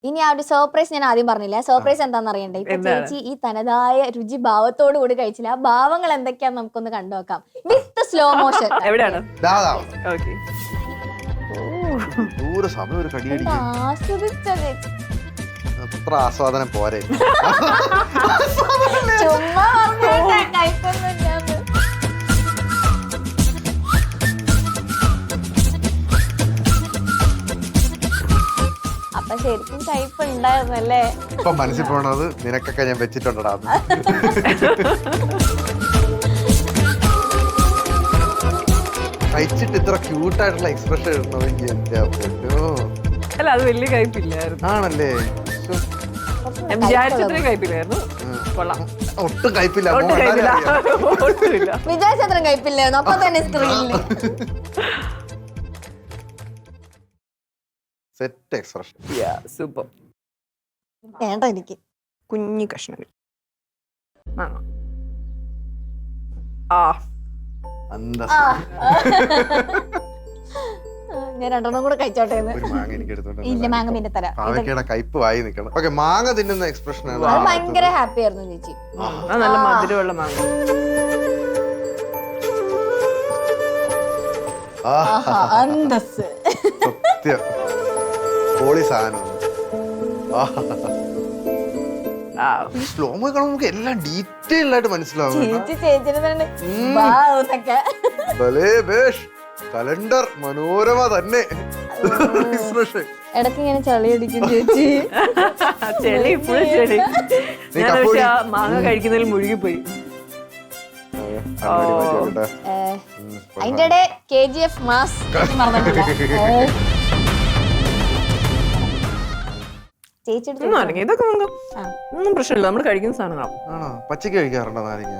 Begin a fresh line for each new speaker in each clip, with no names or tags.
ഇനി ആ ഒരു സർപ്രൈസ് ഞാൻ ആദ്യം പറഞ്ഞില്ല. സർപ്രൈസ് എന്താണെന്ന് അറിയണ്ടേ? ഇപ്പൊ ചേച്ചി ഈ തനതായ രുചി ഭാവത്തോട് കൂടി കഴിച്ചില്ല. ആ ഭാവങ്ങൾ എന്തൊക്കെയാന്ന് നമുക്കൊന്ന് കണ്ടുനോക്കാം വിത്ത് സ്ലോ മോഷൻ.
എവിടെയാണ്? ഓക്കെ.
ആസ്വദിച്ചത്
അത്ര ആസ്വാദനം പോരെ.
ചുമ്മാ കൈപ്പൊന്നുമില്ലാന്ന്. അപ്പൊ ശരിക്കും കയ്പ് ഉണ്ടായിരുന്നല്ലേ?
ഇപ്പൊ മനസ്സിൽ പോണത് നിനക്കൊക്കെ ഞാൻ വെച്ചിട്ടുണ്ടടാ. കഴിച്ചിട്ട് ഇത്ര ക്യൂട്ടായിട്ടുള്ള എക്സ്പ്രഷൻ ഇടണമെങ്കിൽ
അല്ല, അത് വലിയ കയ്പില്ലായിരുന്നു.
ആണല്ലേ?
വിചാരിച്ചത്രയും കയ്പില്ലായിരുന്നു.
ഒട്ടും കയ്പില്ല.
വിചാരിച്ചത്രയും കയ്പില്ലായിരുന്നു. അപ്പൊ തന്നെ സ്ക്രീനിൽ
സെറ്റ് എക്സ്പ്രഷൻ.
സൂപ്പർ.
വേണ്ട എനിക്ക്
കുഞ്ഞു കഷ്ണങ്ങൾ.
ഞാൻ രണ്ടെണ്ണം കൂടെ കഴിച്ചോട്ടെ. ഇല്ല, മാങ്ങ പിന്നെ തരാം.
കയ്പ് വായി നിക്കണം. ഓക്കെ, മാങ്ങ തിന്നുന്ന എക്സ്പ്രഷൻ ആണ്.
അത് ഭയങ്കര ഹാപ്പി ആയിരുന്നു ചേച്ചി.
നല്ല മധുരമുള്ള മാങ്ങ.
സത്യം പൊളി സാധനം. സ്ലോമോ കാണുമ്പോൾ നമുക്ക് എല്ലാം ഡീറ്റെയിൽ ആയിട്ട് മനസ്സിലാവും. കലണ്ടർ മനോരമ തന്നെ.
ഇടയ്ക്ക് ഇങ്ങനെ ചളി അടിക്കും ചേച്ചി.
ചെളി ഇപ്പോഴും ചെളി. മാങ്ങ കഴിക്കുന്നതിൽ മുഴുകിപ്പോയി.
അതിന്റെ ഇടെ KGF മാസ്
ഇതൊക്കെ ഒന്നും പ്രശ്നമില്ല. നമ്മൾ കഴിക്കുന്ന സാധനങ്ങളാണ്.
പച്ചക്ക് കഴിക്കാറുണ്ടോ നാരങ്ങ?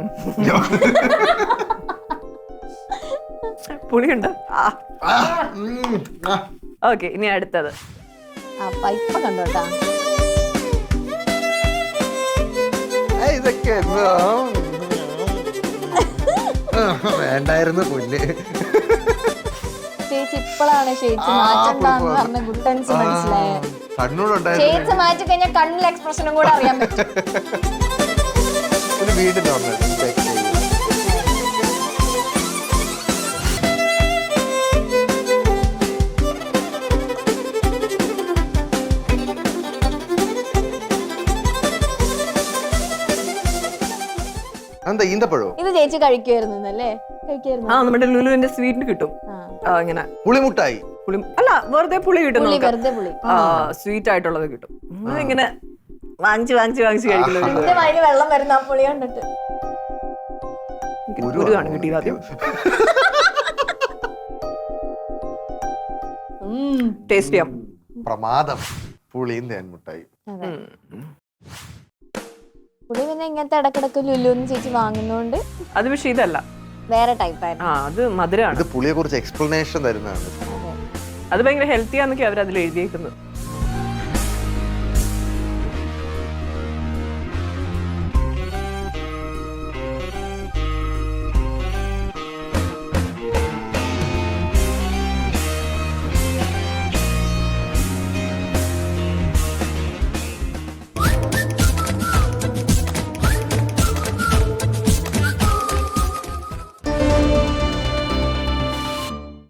പുളിയുണ്ട്. ഓക്കെ, ഇനി അടുത്തത്
ഇപ്പൊ കണ്ടോട്ടാ.
ഇതൊക്കെ വേണ്ടായിരുന്നു പുല്ല്.
ചേച്ചി ഇപ്പോഴാണ് ചേച്ചി മാറ്റണ്ടെന്ന് പറഞ്ഞ ഗുട്ടൻസ് മനസ്സിലായത്. ചേച്ചി മാറ്റി കഴിഞ്ഞാൽ കണ്ണിൽ എക്സ്പ്രഷനും കൂടെ അറിയാൻ പറ്റും.
വീണ്ടും എന്താ ഈന്തപ്പഴോ?
ഇത് ചേച്ചി കഴിക്കുമായിരുന്നല്ലേ?
നമ്മുടെ ലുലുവിന്റെ സ്വീറ്റിന് കിട്ടും ഇങ്ങനെ
പുളിമുട്ടായി.
അല്ല, വെറുതെ പുളി കിട്ടും.
സ്വീറ്റ്
ആയിട്ടുള്ളത് കിട്ടും. ഇങ്ങനെ വാങ്ങിച്ച് കഴിക്കുന്നത്.
വെള്ളം വരുന്ന ആ പുളി കണ്ടിട്ട്
ഗുരുവാണ് കിട്ടിയത് ആദ്യം. ടേസ്റ്റ് ചെയ്യാം.
പ്രമാദം. പുളിയും തേൻമുട്ടായി.
പുളി പിന്നെ ഇങ്ങനത്തെ ഇടക്കിടക്ക് ലുലുന്ന് ചേച്ചി വാങ്ങുന്നോണ്ട്.
അത് പക്ഷെ ഇതല്ല,
വേറെ ടൈപ്പായിരുന്നു.
അത് മധുരമാണ്.
പുളിയെ കുറിച്ച് എക്സ്പ്ലനേഷൻ തരുന്നതാണ്.
അത് ഭയങ്കര ഹെൽത്തി ആന്നൊക്കെ അവർ അതിൽ എഴുതിയേക്കുന്നത്.